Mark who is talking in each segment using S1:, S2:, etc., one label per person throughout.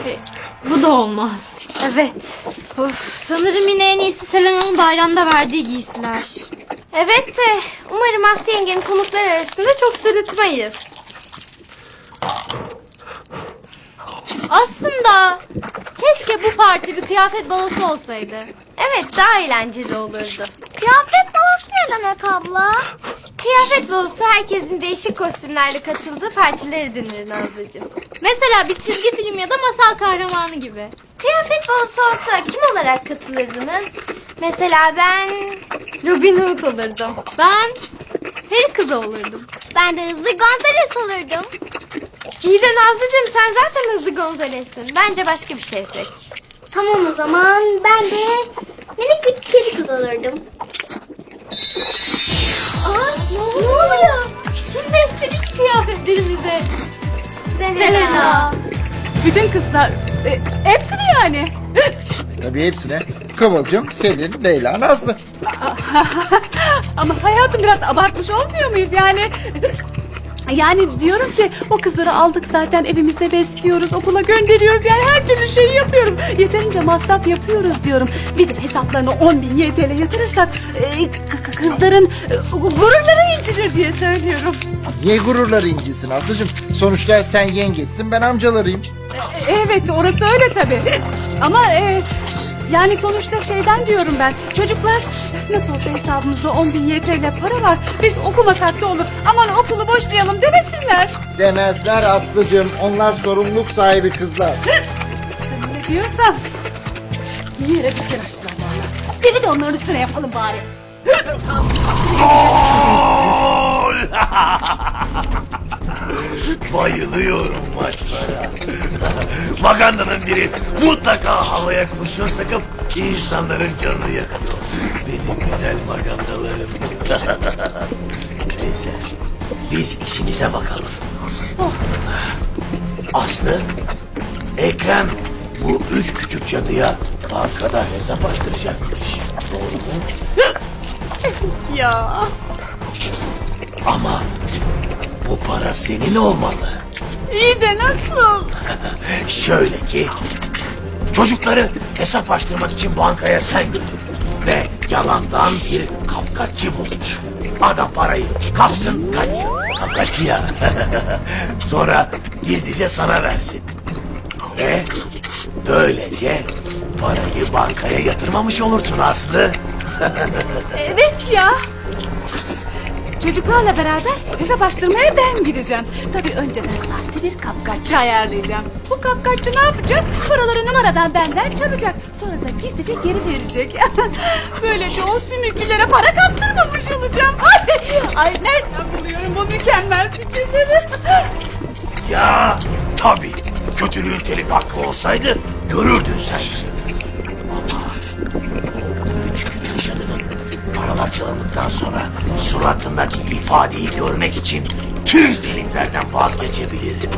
S1: Bu da olmaz.
S2: Evet.
S1: Of, sanırım yine en iyisi Selena'nın bayramda verdiği giysiler.
S2: Evet de umarım Aslı yengenin konuklar arasında çok sırıtmayız.
S1: Aslında keşke bu parti bir kıyafet balosu olsaydı.
S2: Evet, daha eğlenceli olurdu.
S3: Kıyafet balosu ne demek abla?
S2: Kıyafet balosu herkesin değişik kostümlerle katıldığı partileri denir Nazlıcığım.
S1: Mesela bir çizgi film ya da masal kahramanı gibi.
S2: Kıyafet balosu olsa kim olarak katılırdınız? Mesela ben Robin Hood olurdum.
S1: Ben peri kızı olurdum.
S3: Ben de Hızlı Gonzales olurdum.
S2: İyi de Nazlıcığım, sen zaten Hızlı Gonzales'sin. Bence başka bir şey seç.
S3: Tamam o zaman ben de minik bir kedi kız olurdum.
S1: Ne oluyor? Şimdi değiştirdik kıyafetlerimizi. Selena.
S4: Bütün kızlar, hepsi mi yani?
S5: Tabii hepsine. Kıvılcım, Selin, Leyla, Nazlı.
S4: Ama hayatım biraz abartmış olmuyor muyuz yani? Yani diyorum ki o kızları aldık zaten, evimizde besliyoruz, okula gönderiyoruz, yani her türlü şeyi yapıyoruz. Yeterince masraf yapıyoruz diyorum. Bir de hesaplarına 10.000 YTL yatırırsak kızların gururları incinir diye söylüyorum.
S5: Niye gururları incisin Aslı'cığım? Sonuçta sen yengeçsin, ben amcalarıyım.
S4: Evet, orası öyle tabii. Ama yani sonuçta şeyden diyorum ben. Çocuklar nasıl olsa hesabımızda 10.000 YTL para var. Biz okumasak da olur. Aman okulu boşlayalım demesinler.
S5: Demezler Aslı'cığım, onlar sorumluluk sahibi kızlar.
S4: Sen öyle diyorsan. Bir yere dükkan açtılar valla. Evi de onların üstüne yapalım bari.
S6: Bayılıyorum maçlara. Maganda'nın biri mutlaka havaya kurşun sıkıp insanların canını yakıyor. Benim güzel magandalarım. Neyse, biz işimize bakalım. Aslı, Ekrem bu 3 küçük cadıya bankada hesap açtıracakmış. Doğru mu?
S4: Ya.
S6: Ama bu para senin olmalı.
S4: İyi de nasıl?
S6: Şöyle ki, çocukları hesap açtırmak için bankaya sen götür. Ve yalandan bir kapkaççı bul. Adam parayı kapsın kaçsın. Kapkaççı ya. Sonra gizlice sana versin. Ve böylece parayı bankaya yatırmamış olursun Aslı.
S4: Evet ya. Çocuklarla beraber hesap açtırmaya ben gideceğim. Tabii önceden sahte bir kapkaççı ayarlayacağım. Bu kapkaççı ne yapacak? Paraları numaradan benden çalacak. Sonra da gizlice geri verecek. Böylece o sümüklülere para kaptırmamış olacağım. Ay nereden buluyorum bu mükemmel fikirleri?
S6: Ya tabii, kötülüğün telif hakkı olsaydı görürdün sen. Ama o 3 küçük cadının paralar çalındıktan sonra suratındaki ifadeyi görmek için tüm teliflerden vazgeçebilirim.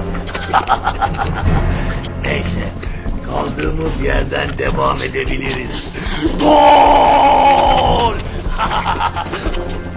S6: Neyse, kaldığımız yerden devam edebiliriz. Gol!